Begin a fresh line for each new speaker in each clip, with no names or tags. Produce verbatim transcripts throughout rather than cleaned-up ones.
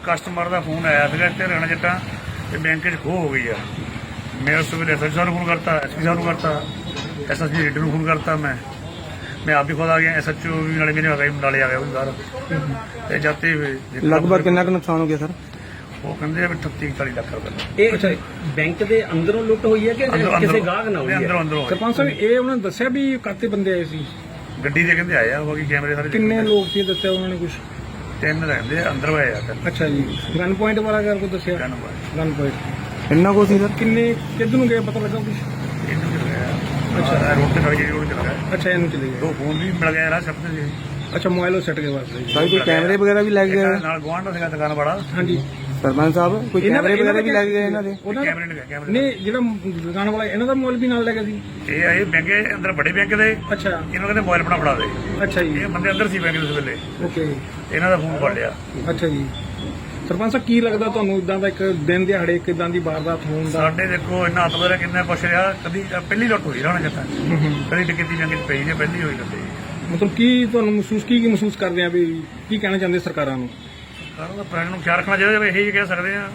Customer ਦਾ phone ਆਇਆ ਸੀਗਾ ਇੱਥੇ ਹਰਿਆਣਾ ਜੱਟਾਂ ਤੇ ਬੈਂਕ 'ਚ ਖੋਹ ਹੋ ਗਈ ਆ। ਮੈਂ ਉਸ ਵੇਲੇ ਐਸ ਐਚ ਓ ਨੂੰ ਫੋਨ ਕਰਤਾ, ਐਸ ਪੀ ਸਾਹਿਬ ਨੂੰ ਕਰਤਾ, ਐਸ ਐਸ ਪੀ ਲੀਡਰ ਨੂੰ ਫੋਨ ਕਰਤਾ। ਮੈਂ ਮੈਂ ਆਪ ਵੀ ਖੁਦ ਆ ਗਿਆ, ਐਸ ਐਚ ਓ ਵੀ ਨਾਲੇ ਮੇਰੇ ਆ ਗਏ, ਨਾਲੇ ਆ ਗਿਆ ਉਹ ਬਾਹਰ ਤੇ ਜਾਤੇ
ਲਗਭਗ ਕਿੰਨਾ ਕੁ ਨੁਕਸਾਨ ਹੋ ਗਿਆ ਸਰ?
ਉਹ ਕਹਿੰਦੇ ਆ ਵੀ ਅਠੱਤੀ ਚਾਲੀ ਲੱਖ ਰੁਪਏ।
ਇਹ ਅੱਛਾ ਬੈਂਕ ਦੇ ਅੰਦਰੋਂ ਲੁੱਟ ਹੋਈ ਹੈ ਕਿ ਕਿਸੇ ਗਾਹਕ ਨਾਲ ਹੋਈ ਹੈ?
ਅੰਦਰੋਂ ਅੰਦਰੋਂ
ਸਰਪੰਚ ਸਾਹਿਬ ਇਹ ਉਹਨਾਂ ਨੇ ਦੱਸਿਆ ਵੀ ਕਾਤੇ ਬੰਦੇ ਆਏ ਸੀ?
ਗੱਡੀ ਦੇ ਕਹਿੰਦੇ ਆਏ ਆ, ਬਾਕੀ ਕੈਮਰੇ ਸਾਰੇ
ਕਿੰਨੇ ਲੋਕ ਸੀ ਦੱਸਿਆ ਉਹਨਾਂ ਨੇ ਕੁਝ?
ਤਿੰਨ ਰਹਿੰਦੇ ਆ, ਅੰਦਰ ਆਏ ਆ ਤਿੰਨ।
ਅੱਛਾ ਜੀ, ਗਨ ਪੁਆਇੰਟ ਵਾਲਾ ਗੱਲ ਕੋ ਦੱਸਿਆ?
ਤਿੰਨ ਬਾਏ
ਗਨ ਪੁਆਇੰਟ
ਇੰਨਾ ਕੁ ਸੀ ਸਰ?
ਕਿੰਨੇ ਕਿੱਧਰ ਨੂੰ ਗਏ ਪਤਾ ਲੱਗਾ ਕੁਝ?
ਇਹਨੂੰ ਚਲ ਗਿਆ। ਅੱਛਾ ਰੋਡ ਤੇ ਖੜ ਕੇ ਰੋਡ ਚਲ ਗਿਆ।
ਅੱਛਾ ਇਹਨੂੰ ਚਲੇ ਗਏ।
ਦੋ ਫੋਨ ਵੀ ਮਿਲ ਗਏ ਰਾਹ ਸਭ ਤੋਂ ਜੀ।
ਅੱਛਾ ਮੋਬਾਈਲ ਉਹ ਸੱਟ ਗਏ ਵਾਸਤੇ ਜੀ।
ਸਰ ਕੋਈ ਕੈਮਰੇ ਵਗੈਰਾ ਵੀ ਲੱਗ ਗਏ?
ਨਾਲ ਗੁਆਂਢ ਦਾ ਸੀਗਾ ਦੁਕਾਨ ਵਾਲਾ।
ਹਾਂਜੀ
ਸਰਪੰਚ ਸਾਹਿਬ ਕੋਈ
ਇਹਨਾਂ ਦਾ-
ਕੈਮਰੇ ਵਗੈਰਾ
ਇਹਨਾਂ
ਵੀ
ਦਾ
ਲੱਗ ਗਏ ਇਹਨਾਂ ਦੇ?
ਉਹਨਾਂ ਦਾ
ਕੈਮਰੇ ਨਹੀਂ ਕੈਮਰੇ
ਨਹੀਂ ਜਿਹੜਾ ਦੁਕਾਨ ਵਾਲਾ ਇਹਨਾਂ ਦਾ ਮੋਬਾਈਲ ਵੀ ਨਾਲ ਲੈ ਗਿਆ ਸੀ?
ਇਹ ਆਏ ਬੈਂਕ ਅੰਦਰ ਵੱਡੇ ਬੈਂਕ ਦੇ,
ਅੱਛਾ
ਇਹਨੂੰ ਕਹਿੰਦੇ ਮੋਬਾਈਲ ਆਪਣਾ ਫੜਾ ਦੇ।
ਅੱਛਾ ਜੀ
ਇਹ ਬੰਦੇ ਅੰਦਰ ਸੀ ਬੈਂਕ ਦੇ ਉਸ ਵੇਲੇ,
ਓਕੇ
ਇਹਨਾਂ ਦਾ ਫੋਨ ਫੜ ਲਿਆ।
ਅੱਛਾ ਜੀ। ਸਰਪੰਚ ਸਾਹਿਬ ਕੀ ਲੱਗਦਾ ਤੁਹਾਨੂੰ ਇਦਾਂ ਦਾ ਇੱਕ ਦਿਨ ਦਿਹਾੜੇ ਇੱਕ ਇਦਾਂ ਦੀ ਵਾਰਦਾਤ ਹੋਣ ਦਾ?
ਸਾਡੇ ਦੇਖੋ ਇੰਨਾ ਹੱਥ ਬਦਲਿਆ ਕਿੰਨਾ ਕੁਛ ਰਿਹਾ। ਕਦੀ ਪਹਿਲੀ ਲੁੱਟ ਹੋਈ ਰਾਣਾ ਜੱਟਾਂ ਕਦੀ ਡਕੈਤੀ ਜੰਗ 'ਚ ਪਈ ਜੇ ਪਹਿਲੀ ਹੋਈ ਲੱਗੀ।
ਮਤਲਬ ਕੀ ਤੁਹਾਨੂੰ ਮਹਿਸੂਸ ਕੀ ਕੀ ਮਹਿਸੂਸ ਕਰਦੇ ਆ ਵੀ ਕੀ ਕਹਿਣਾ ਚਾਹੁੰਦੇ ਸਰਕਾਰਾਂ ਨੂੰ?
ਸਾਰਿਆਂ ਦਾ ਪ੍ਰੈਸ ਨੂੰ ਖਿਆਲ ਰੱਖਣਾ ਚਾਹੀਦਾ, ਇਹੀ ਕਹਿ ਸਕਦੇ ਆ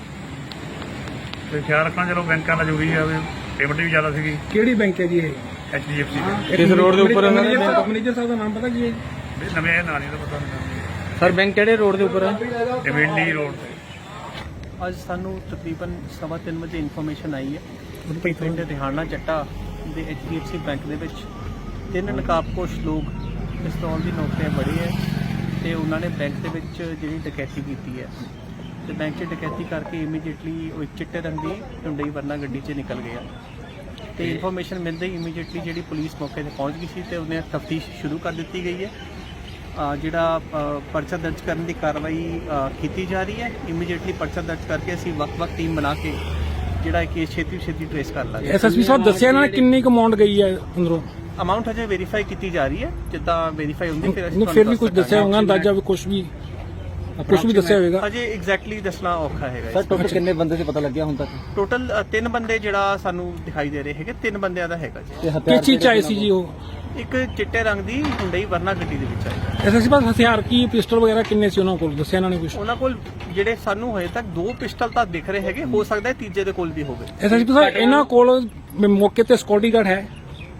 ਤੇ ਖਿਆਲ ਰੱਖਣਾ। ਚਲੋ ਬੈਂਕਾਂ ਦਾ ਜ਼ਰੂਰੀ ਆ, ਪੇਮੈਂਟ ਵੀ ਜ਼ਿਆਦਾ ਸੀਗੀ।
ਕਿਹੜੀ ਬੈਂਕ ਹੈ ਜੀ ਇਹ?
ਐਚ ਡੀ ਐਫ ਸੀ
ਕਿਸ ਰੋਡ ਦੇ ਉੱਪਰ ਇਹਨਾਂ ਦੇ ਬੈਂਕ?
ਮੈਨੇਜਰ ਸਾਹਿਬ ਦਾ ਨਾਮ ਪਤਾ ਕੀ ਹੈ?
ਨਵੇਂ ਇਹ ਨਾਂ ਨਹੀਂ ਤਾਂ ਪਤਾ ਨਹੀਂ।
ਸਰ ਬੈਂਕ ਕਿਹੜੇ ਰੋਡ ਦੇ ਉੱਪਰ ਹੈ?
ਡਿਵੈਂਡੀ ਰੋਡ ਤੇ
ਅੱਜ ਸਾਨੂੰ ਤਕਰੀਬਨ ਸਵਾ ਤਿੰਨ ਵਜੇ ਇਨਫੋਰਮੇਸ਼ਨ ਆਈ ਹੈ ਪਿੰਡ ਰਿਹਾਨਾ ਚੱਟਾ ਦੇ H D F C bank ਦੇ ਵਿੱਚ ਤਿੰਨ ਨਕਾਬਪੋਸ਼ ਲੋਕ ਪਿਸਤੌਲ ਦੀ ਨੋਕ ਤੇ ਬੜੇ ਹੈ ਤੇ ਉਹਨਾਂ ਨੇ ਬੈਂਕ ਦੇ ਵਿੱਚ ਜਿਹੜੀ ਡਕੈਤੀ ਕੀਤੀ ਹੈ ਤੇ ਬੈਂਕ 'ਚ ਡਕੈਤੀ ਕਰਕੇ ਇਮੀਡੀਏਟਲੀ ਉਹ ਇੱਕ ਚਿੱਟੇ ਰੰਗ ਦੀ ਹੁੰਡਈ ਵਰਨਾ ਗੱਡੀ 'ਚ ਨਿਕਲ ਗਿਆ ਤੇ ਇਨਫੋਰਮੇਸ਼ਨ ਮਿਲਦੇ ਹੀ ਇਮੀਡੀਏਟਲੀ ਜਿਹੜੀ ਪੁਲਿਸ ਮੌਕੇ ਤੇ ਪਹੁੰਚ ਗਈ ਸੀ ਤੇ ਉਹਨੇ ਤਫਤੀਸ਼ ਸ਼ੁਰੂ ਕਰ ਦਿੱਤੀ ਗਈ ਹੈ। ਅ, ਜਿਹੜਾ ਅ, ਪਰਚਾ ਦਰਜ ਕਰਨ ਦੀ ਕਾਰਵਾਈ ਅ, ਕੀਤੀ ਜਾ ਰਹੀ ਹੈ। ਇਮੀਡੀਏਟਲੀ ਪਰਚਾ ਦਰਜ ਕਰਕੇ ਅਸੀਂ ਵੱਖ-ਵੱਖ ਟੀਮ ਬਣਾ ਕੇ ਜਿਹੜਾ ਇਹ ਕੇਸ ਛੇਤੀ ਛੇਤੀ ਟ੍ਰੇਸ ਕਰ ਲਾਂਗੇ।
ਐਸ ਐਸ ਪੀ ਸਾਹਿਬ ਦੱਸਿਆ ਇਹਨਾਂ ਨੇ ਕਿੰਨੀ ਕੁ ਅਮਾਉਂਟ ਗਈ ਹੈ ਅੰਦਰੋਂ?
ਅਮਾਉਂਟ ਹਜੇ ਵੈਰੀਫਾਈ ਕੀਤੀ ਜਾ ਰਹੀ ਹੈ, ਜਿੱਦਾਂ ਵੈਰੀਫਾਈ ਹੁੰਦੀ ਫਿਰ ਅਸੀਂ
ਨਹੀਂ ਫਿਰ ਵੀ ਕੁਝ ਦੱਸਿਆ ਹੋਊਗਾ ਅੰਦਾਜ਼ਾ ਵੀ ਕੁਝ ਵੀ ਕੁਝ ਵੀ ਦੱਸਿਆ ਹੋਵੇਗਾ?
ਹਜੇ ਐਗਜ਼ੈਕਟਲੀ ਦੱਸਣਾ ਔਖਾ ਹੈਗਾ।
ਸਰ ਟੋਟਲ ਕਿੰਨੇ ਬੰਦੇ ਸੀ ਪਤਾ ਲੱਗਿਆ ਹੁਣ ਤੱਕ?
ਟੋਟਲ ਤਿੰਨ ਬੰਦੇ ਜਿਹੜਾ ਸਾਨੂੰ ਦਿਖਾਈ ਦੇ ਰਹੇ ਹੈਗੇ, ਤਿੰਨ ਬੰਦਿਆਂ ਦਾ ਹੈਗਾ ਜੀ।
ਕਿਸ ਚੀਜ਼ ਚ ਆਏ ਸੀ ਜੀ ਉਹ?
ਇੱਕ ਚਿੱਟੇ ਰੰਗ ਦੀ ਹੁੰਡਈ ਵਰਨਾ ਗੱਡੀ ਦੇ ਵਿੱਚ ਆਇਆ।
ਐਸ ਐਸ ਪੀ ਸਾਹਿਬ ਹਥਿਆਰ ਕੀ ਪਿਸਟਲ ਵਗੈਰਾ ਕਿੰਨੇ ਸੀ ਉਹਨਾਂ ਕੋਲ, ਦੱਸਿਆ ਇਹਨਾਂ ਨੇ ਕੁਝ?
ਉਹਨਾਂ ਕੋਲ ਜਿਹੜੇ ਸਾਨੂੰ ਹਜੇ ਤੱਕ ਦੋ ਪਿਸਟਲ ਤਾਂ ਦਿਖ ਰਹੇ ਹੈਗੇ, ਹੋ ਸਕਦਾ ਹੈ ਤੀਜੇ ਦੇ ਕੋਲ ਵੀ ਹੋਵੇ।
ਐਸ ਐਸ ਪੀ ਸਾਹਿਬ ਇਹਨਾਂ ਕੋਲ ਮੌਕੇ ਤੇ ਸਿਕਿਉਰਿਟੀ ਗਾਰਡ ਹੈ?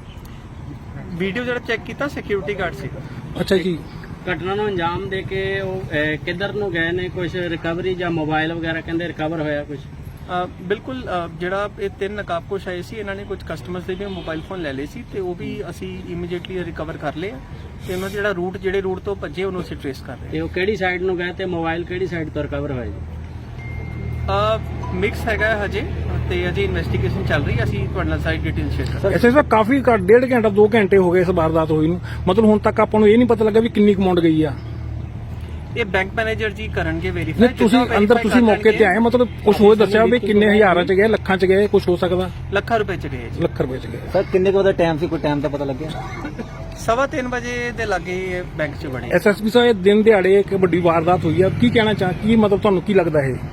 ਵੀਡੀਓ ਜਿਹੜਾ ਚੈੱਕ ਕੀਤਾ ਸਿਕਿਉਰਿਟੀ ਗਾਰਡ ਸੀਗਾ।
ਅੱਛਾ ਜੀ।
ਘਟਨਾ ਨੂੰ ਅੰਜਾਮ ਦੇ ਕੇ ਉਹ ਅਹ, ਕਿੱਧਰ ਨੂੰ ਗਏ ਨੇ? ਕੁਝ ਰਿਕਵਰੀ ਜਾਂ ਮੋਬਾਈਲ ਵਗੈਰਾ ਕਹਿੰਦੇ ਰਿਕਵਰ ਹੋਇਆ ਕੁਝ?
ਅ, ਬਿਲਕੁਲ ਅ, ਜਿਹੜਾ ਇਹ ਤਿੰਨ ਨਕਾਬਪੋਸ਼ ਆਏ ਸੀ ਇਹਨਾਂ ਨੇ ਕੁਝ ਕਸਟਮਰਸ ਦੇ ਵੀ ਮੋਬਾਈਲ ਫੋਨ ਲੈ ਲਏ ਸੀ ਤੇ ਉਹ ਵੀ ਅਸੀਂ ਇਮੀਡੀਏਟਲੀ ਰਿਕਵਰ ਕਰ ਲਏ ਆ ਤੇ ਉਹਨਾਂ ਦਾ ਜਿਹੜਾ ਰੂਟ ਜਿਹੜੇ ਰੂਟ ਤੋਂ ਭੱਜੇ ਉਹਨੂੰ ਅਸੀਂ ਟ੍ਰੇਸ ਕਰ ਰਹੇ
ਤੇ ਉਹ ਕਿਹੜੀ ਸਾਈਡ ਨੂੰ ਗਏ ਤੇ ਮੋਬਾਈਲ ਕਿਹੜੀ ਸਾਈਡ ਤੋਂ ਰਿਕਵਰ ਹੋਇਆ ਜੀ?
ਹਾਂ। ਮਿਕਸ ਹੈਗਾ ਹੈ ਹਜੇ ਤੇ ਅਜੇ ਇਨਵੈਸਟੀਗੇਸ਼ਨ ਚੱਲ ਰਹੀ ਹੈ, ਅਸੀਂ ਤੁਹਾਡੇ ਨਾਲ ਸਾਰੀ ਡਿਟੇਲ ਸ਼ੇਅਰ ਕਰਾਂਗੇ।
ਐਸ ਐਸ ਪੀ ਕਾਫੀ ਘੱਟ ਡੇਢ ਘੰਟਾ ਦੋ ਘੰਟੇ ਹੋ ਗਏ ਇਸ ਵਾਰਦਾਤ ਹੋਈ ਨੂੰ, ਮਤਲਬ ਹੁਣ ਤੱਕ ਆਪਾਂ ਨੂੰ ਇਹ ਨਹੀਂ ਪਤਾ ਲੱਗਾ ਵੀ ਕਿੰਨੀ ਅਮਾਉਂਟ ਗਈ ਆ।
ਇਹ ਬੈਂਕ ਮੈਨੇਜਰ ਜੀ ਕਰਨਗੇ
ਨਹੀਂ
ਵੈਰੀਫਾਈ।
ਤੁਸੀਂ ਅੰਦਰ ਤੁਸੀਂ ਮੌਕੇ ਤੇ ਆਏ, ਮਤਲਬ ਕੁਝ ਹੋਰ ਦੱਸਿਆ ਵੀ ਕਿੰਨੇ ਹਜ਼ਾਰਾਂ ਚ ਗਏ, ਲੱਖਾਂ ਚ ਗਏ, ਕੁਝ ਹੋ ਸਕਦਾ?
ਲੱਖਾਂ ਰੁਪਏ ਚ ਗਏ ਜੀ।
ਲੱਖ ਰੁਪਏ ਚ ਗਏ।
ਸਰ ਕਿੰਨੇ ਕੁ ਦਾ ਟਾਈਮ ਸੀ, ਕੋਈ ਟਾਈਮ ਦਾ ਪਤਾ ਲੱਗਿਆ?
ਸਵਾ ਤਿੰਨ ਵਜੇ ਦੇ ਲਾਗੇ ਬੈਂਕ ਚ ਬਣੇ।
ਐਸ ਐਸ ਪੀ ਸਾਹਿਬ ਇਹ ਦਿਨ ਦਿਹਾੜੇ ਇੱਕ ਵੱਡੀ ਵਾਰਦਾਤ ਹੋਈ ਆ, ਕੀ ਕਹਿਣਾ ਚਾਹ ਕੀ ਮਤਲਬ ਤੁਹਾਨੂੰ ਕੀ ਲੱਗਦਾ ਇਹ?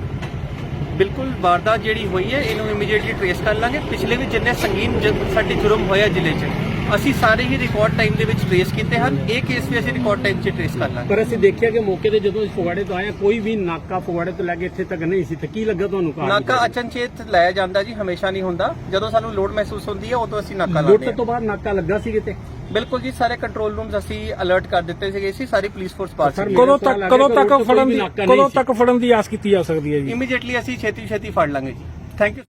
ਬਿਲਕੁਲ ਵਾਰਦਾਤ ਜਿਹੜੀ ਹੋਈ ਹੈ ਇਹਨੂੰ ਇਮੀਡੀਏਟਲੀ ਟ੍ਰੇਸ ਕਰ ਲਾਂਗੇ। ਪਿਛਲੇ ਵੀ ਜਿੰਨੇ ਸੰਗੀਨ ਜ- ਸਾਡੇ ਜੁਰਮ ਹੋਇਆ ਜ਼ਿਲ੍ਹੇ 'ਚ ਅਸੀਂ ਸਾਰੇ ਹੀ ਰਿਕਾਰਡ ਟਾਈਮ ਦੇ ਵਿੱਚ ਟ੍ਰੇਸ ਕੀਤੇ ਹਨ। ਇਹ ਕੇਸ ਵੀ ਅਸੀਂ ਰਿਕਾਰਡ ਟਾਈਮ 'ਚ ਟ੍ਰੇਸ ਕਰ ਲਾਂਗੇ।
ਪਰ ਅਸੀਂ ਦੇਖਿਆ ਕਿ ਮੌਕੇ ਤੇ ਜਦੋਂ ਅਸੀਂ ਫਗਵਾੜੇ ਤੋਂ ਆਏ ਕੋਈ ਵੀ ਨਾਕਾ ਫਗਵਾੜੇ ਤੋਂ ਲੈ ਕੇ ਇੱਥੇ ਤੱਕ ਨਹੀਂ ਸੀ ਤੇ ਕੀ ਲੱਗਾ ਤੁਹਾਨੂੰ? ਕਾਰ
ਨਾਕਾ ਅਚਨਚੇਤ ਲਾਇਆ ਜਾਂਦਾ ਜੀ, ਹਮੇਸ਼ਾ ਨਹੀਂ ਹੁੰਦਾ। ਜਦੋਂ ਸਾਨੂੰ ਲੋਡ ਮਹਿਸੂਸ ਹੁੰਦੀ ਹੈ ਉਦੋਂ ਅਸੀਂ ਨਾਕਾ ਲਾਉਂਦੇ
ਲੁੱਟ
ਹਾਂ।
ਤੋਂ ਬਾਅਦ ਨਾਕਾ ਲੱਗਾ ਸੀ ਕਿਤੇ?
ਬਿਲਕੁਲ ਜੀ, ਸਾਰੇ ਕੰਟਰੋਲ ਰੂਮਸ ਅਸੀਂ ਅਲਰਟ ਕਰ ਦਿੱਤੇ ਸੀਗੇ ਸੀ, ਸਾਰੀ ਪੁਲਿਸ ਫੋਰਸ ਪਾਸ ਸੀ।
ਕਦੋਂ ਤੱਕ ਕਦੋਂ ਤੱਕ ਫੜਨ ਦੀ ਕਦੋਂ ਤੱਕ ਫੜਨ ਦੀ ਆਸ ਕੀਤੀ ਜਾ ਸਕਦੀ ਹੈ ਜੀ?
ਇਮੀਡੀਏਟਲੀ ਅਸੀਂ ਛੇਤੀ ਛੇਤੀ ਫੜ ਲਾਂਗੇ ਜੀ। Thank you.